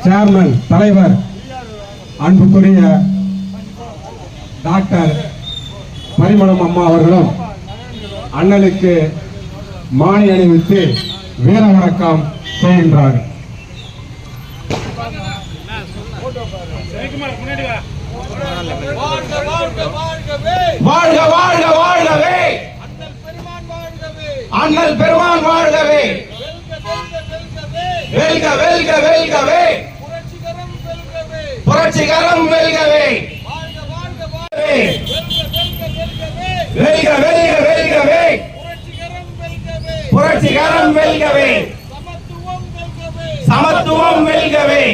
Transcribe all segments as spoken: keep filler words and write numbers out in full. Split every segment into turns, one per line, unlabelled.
Chairman தலைவர் அன்புக்குரிய doctor Parimalam அம்மா அவர்களும் அண்ணலுக்கு மாலை அணிவித்து வீர வணக்கம் செய்கின்றார்கள்.
வாழ்க வாழ்க வாழ்கவே, அண்ணல் பெருமான் வாழ்கவே, வெல்க வெல்க வெல்கவே, புரட்சிகரம் வெல்கவே, வெல்க வெல்க வெல்கவே, புரட்சிகரம் வெல்கவே, சமத்துவம் வெல்கவே,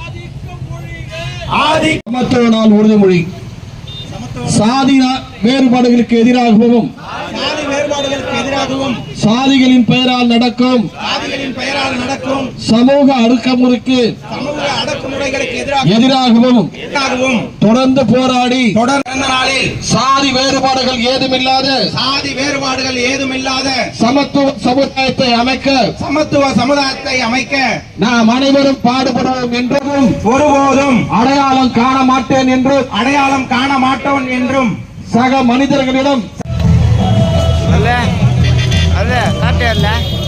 ஆதி
சமத்துவ நாள் உறுதிமொழி. சாதி வேறுபாடுகளுக்கு எதிராகவும்
சாதி வேறுபாடுகளுக்கு எதிராகவும்
சாதிகளின் பெயரால் நடக்கும்
சாதிகளின் பெயரால் நடக்கும்
சமூக அடக்குமுறைக்கு
சமூக அடக்குமுறைகளுக்கு எதிராக
எதிராகவும்
எதிராகவும்
தொடர்ந்து போராடி
தொடர்ந்த நாளில்
சாதி வேறுபாடுகள் ஏதுமில்லாத
சாதி வேறுபாடுகள் ஏதுமில்லாத
சமத்துவ சமுதாயத்தை அமைக்க
சமத்துவ சமுதாயத்தை அமைக்க
நாம் அனைவரும் பாடுபடுவோம் என்றும்
ஒருபோதும்
அடையாளம் காண மாட்டேன் என்றும்
அடையாளம் காண மாட்டோம் என்றும்
சக மனிதர்களிடம்
அல்ல அல்ல காட்டே அல்ல